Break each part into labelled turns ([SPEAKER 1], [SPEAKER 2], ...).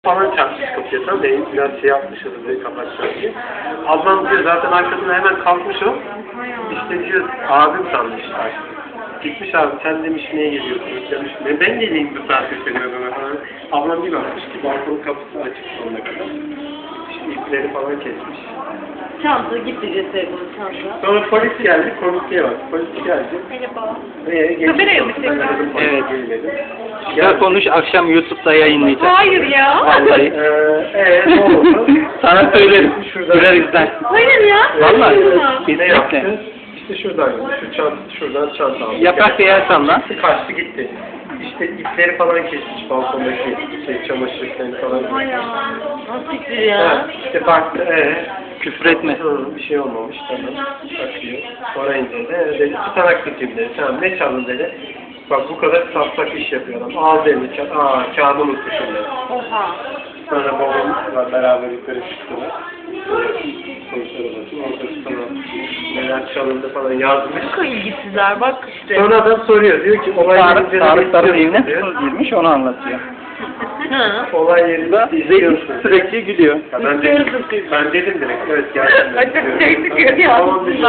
[SPEAKER 1] Falan çarpmış kapıya, tamam benim biraz şey yapmışız diye kapatacağım diye. Ablam diyor zaten arkasına hemen kalkmış o. İşte diyor abim sanmış artık. Gitmiş abi sen demiş niye geliyorsun demiş. Ben geleyim bu saatte senin adına falan. Ablam bir bakmış ki balkonun kapısı açık sonuna kadar. İşte ipleri falan kesmiş.
[SPEAKER 2] Çanta gitti cesedin çanta.
[SPEAKER 1] Sonra polis geldi, konuşmaya bak. Polis geldi.
[SPEAKER 2] Merhaba.
[SPEAKER 1] Kameraya
[SPEAKER 2] mı çekiyorsun?
[SPEAKER 1] Evet.
[SPEAKER 3] Güzel konuş, akşam YouTube'da yayınlayacağız.
[SPEAKER 2] Hayır ya.
[SPEAKER 3] Vallahi.
[SPEAKER 1] Ne oldu?
[SPEAKER 3] Sana söylerim. Şurada izler.
[SPEAKER 2] Hayır ya.
[SPEAKER 3] Vallahi.
[SPEAKER 1] Ne yaptı?
[SPEAKER 3] Kesinlikle.
[SPEAKER 1] İşte şuradan, şuradan çanta aldı.
[SPEAKER 3] Yaprak yersen lan.
[SPEAKER 1] Kaçtı gitti. İşte ipleri falan kesmiş balkondaki çamaşır iplerini falan.
[SPEAKER 2] Hay Allah. Nasıl fikir ya?
[SPEAKER 1] Ha, işte baktı,
[SPEAKER 3] Küfür etme.
[SPEAKER 1] bir şey olmamış, tamam. Bakıyor. Sonra indirdi. Dedi, tutanak tutayım dedi. Tamam, ne çaldın dedi. Bak bu kadar safsak iş yapıyor adam. Ağzı elini kağıdı unutmuşum dedi.
[SPEAKER 2] Oha.
[SPEAKER 1] Sonra babamla beraber yukarı çıktılar. Sonuçlar odası. Orada sana neler çalındı falan yazmış.
[SPEAKER 2] Çok ilgisizler bak işte.
[SPEAKER 1] Sonra adam soruyor. Diyor ki olay yerinde
[SPEAKER 3] Tarıkların evine hırsız girmiş, onu anlatıyor.
[SPEAKER 2] Hı.
[SPEAKER 1] olay yerinde
[SPEAKER 3] Zeytin sürekli gülüyor.
[SPEAKER 1] Ya ben dedim direkt. Evet geldim.
[SPEAKER 2] Açık çektik ya.
[SPEAKER 1] Tamam dedim.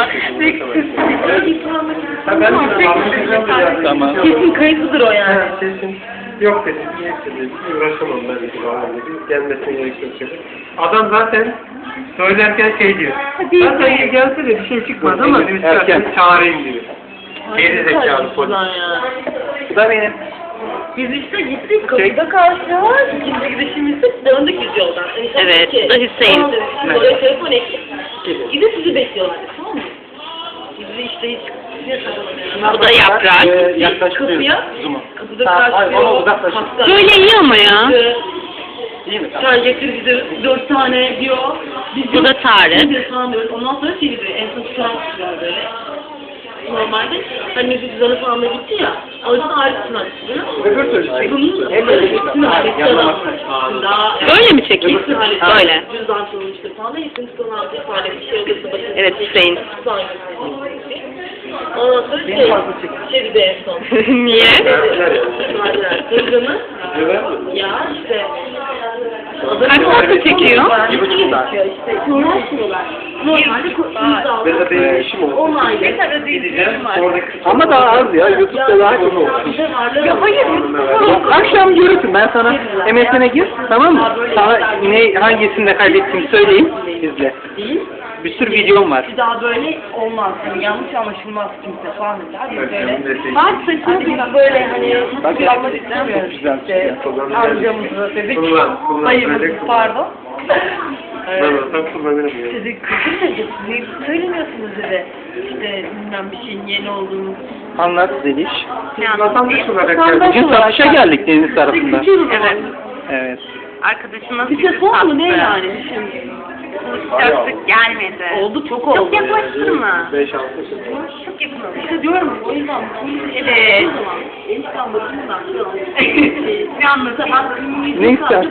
[SPEAKER 1] Ha, ben de
[SPEAKER 3] Tamam.
[SPEAKER 2] Kesin kayıtlıdır o yani.
[SPEAKER 1] Ha, kesin. Yok dedi. Neyse dedi. Uğraşamam ben dedi. Babam dedi. Gelmesine gerek yok dedi. Adam zaten söylerken şey diyor.
[SPEAKER 2] Hadi
[SPEAKER 1] Ben de gelse de bir şey çıkmaz ama
[SPEAKER 3] Erken.
[SPEAKER 1] çağırayım diyor. Geri zekalı polis.
[SPEAKER 3] Bu da benim.
[SPEAKER 2] Biz işte gittik kapıda karşılar. İkinci gidişimizde döndük biz yoldan.
[SPEAKER 4] Evet, bu da Hüseyin.
[SPEAKER 2] Oraya telefon ettik. Gidip sizi bekliyorlar. Tamam mı? Biz de işte hiç
[SPEAKER 4] Bu da yaprak.
[SPEAKER 3] Yaklaştırıyoruz.
[SPEAKER 2] Kapıya,
[SPEAKER 3] Zoom'u.
[SPEAKER 2] kapıda
[SPEAKER 3] Hayır, ona
[SPEAKER 2] karşılıyor.
[SPEAKER 3] uzaklaşın.
[SPEAKER 4] Böyle iyi ama ya.
[SPEAKER 3] İyi mi?
[SPEAKER 2] Çay getir bize 4 tane diyor. Biz
[SPEAKER 4] Bu da Tarık.
[SPEAKER 2] Biz de sanıyoruz. Ondan sonra şey diyor. En son tutan tutuyor böyle. Normalde hani Mesut Cüzdan'a falan da gitti ya. Orada da Arif Turan çıkıyor.
[SPEAKER 3] Öbür türlü.
[SPEAKER 2] Bunun
[SPEAKER 3] Hep
[SPEAKER 2] hepsini halletti adam. Daha
[SPEAKER 4] Böyle mi çekiyor?
[SPEAKER 2] hepsini halletti.
[SPEAKER 4] Böyle.
[SPEAKER 2] Cüzdan çalınmıştır falan da hepsini tutan halletti. Halletti. Şey olursa başına.
[SPEAKER 4] Evet, Hüseyin.
[SPEAKER 2] Ondan sonra şey bir de en son.
[SPEAKER 4] Niye?
[SPEAKER 2] Hırgını ya işte
[SPEAKER 4] Kaç dakika çekiyor?
[SPEAKER 3] 1,5 saat.
[SPEAKER 2] İşte uğraşmıyorlar. Normalde
[SPEAKER 1] Ve de benim işim oldu.
[SPEAKER 2] onaylı.
[SPEAKER 1] Gideceğim. Oradaki
[SPEAKER 3] Ama daha az ya. YouTube'da daha çok olur.
[SPEAKER 2] Ya hayır.
[SPEAKER 3] Yok, akşam görürsün. Ben sana MSN'e gir. Tamam mı? Sana hangisinde kaybettiğimi söyleyeyim. İzle. Bir sürü videom var.
[SPEAKER 2] Bir daha böyle olmaz. Yani yanlış anlaşılmaz kimse falan dediler. Biz böyle.
[SPEAKER 1] Bak
[SPEAKER 2] Saçma bir böyle hani
[SPEAKER 3] Bak,
[SPEAKER 2] bir almak istemiyoruz.
[SPEAKER 3] çok güzel.
[SPEAKER 2] İşte amcamızı dedik.
[SPEAKER 1] Kullan.
[SPEAKER 2] Dayımızı pardon.
[SPEAKER 1] Ben olsam kullanırım ya.
[SPEAKER 2] Dedi kızım dedi niye söylemiyorsunuz dedi. İşte bilmem bir şeyin yeni olduğunu.
[SPEAKER 3] Anlat Zeliş.
[SPEAKER 1] Vatandaş olarak
[SPEAKER 2] Vatandaş
[SPEAKER 3] Bugün satışa geldik deniz tarafında.
[SPEAKER 4] Evet.
[SPEAKER 3] Evet.
[SPEAKER 4] Arkadaşımız
[SPEAKER 2] Bir telefon mu ne yani? Şimdi.
[SPEAKER 4] Sıcaklık gelmedi.
[SPEAKER 2] Oldu çok oldu.
[SPEAKER 4] Çok yaklaştırma.
[SPEAKER 1] 5-6
[SPEAKER 4] Çok yakın oldu.
[SPEAKER 2] İşte diyorum o yüzden.
[SPEAKER 4] Evet.
[SPEAKER 2] Enişten bakımdan.
[SPEAKER 4] Ne anlatamam.
[SPEAKER 3] Ne istersen.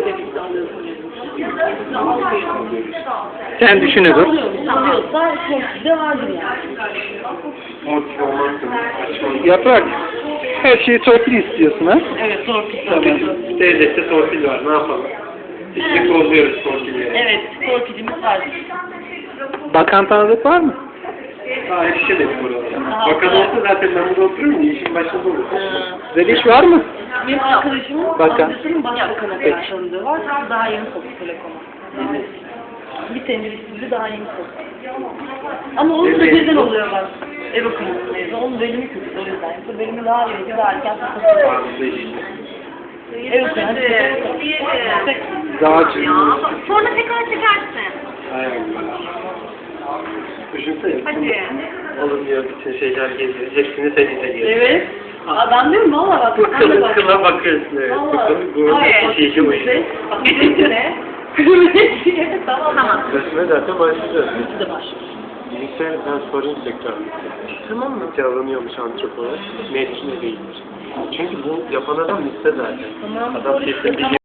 [SPEAKER 3] Sen düşünür.
[SPEAKER 2] Alıyorsa çok de vardır yani.
[SPEAKER 1] Motiv olmazsın.
[SPEAKER 3] Yaprak. Her şeyi torpil istiyorsun ha?
[SPEAKER 2] Evet torpil.
[SPEAKER 1] Devlette torpil var, ne yapalım? İşte bozuyoruz torpilleri.
[SPEAKER 2] Evet torpilimiz var.
[SPEAKER 3] Bakan tanıdık var mı?
[SPEAKER 1] Daha erişemedik buralara. Bakan olsa zaten ben burada otururum ya, işin başında olurum.
[SPEAKER 3] Zeliş var mı?
[SPEAKER 2] Benim arkadaşımın
[SPEAKER 3] Bakan.
[SPEAKER 2] amcasının başbakanı kadar tanıdığı var. Daha yeni soktu telefonu. Bir senedir işsizliği daha yeni soktu. Ama onun da birden oluyorlar. Ev okuyucu. Onun bölümü kötü o yüzden. Yoksa bölümü daha iyi, daha erken soktu. Ev okuyucu.
[SPEAKER 3] Dağcı.
[SPEAKER 4] Sonra tekrar çekersin.
[SPEAKER 1] Aynen. Düşünsene.
[SPEAKER 4] Hadi.
[SPEAKER 1] Olur diyor, bütün şeyler geziyor. Hepsini sen izleyeceksin.
[SPEAKER 2] Evet. Adam diyorum valla bak.
[SPEAKER 1] Bu kıla bakıyorsun. Evet. Bu şeyci uyuyor.
[SPEAKER 2] Bak bir ne? Tamam.
[SPEAKER 1] Resme zaten başlayacağız.
[SPEAKER 2] Biz de başlıyoruz.
[SPEAKER 1] Bilgisayar ben sorayım tekrar.
[SPEAKER 2] Tamam mı?
[SPEAKER 1] Alınıyormuş antropolog. Mevkine değildir. Çünkü bu yapan adam liste zaten.
[SPEAKER 2] Tamam.
[SPEAKER 1] Adam kesin bir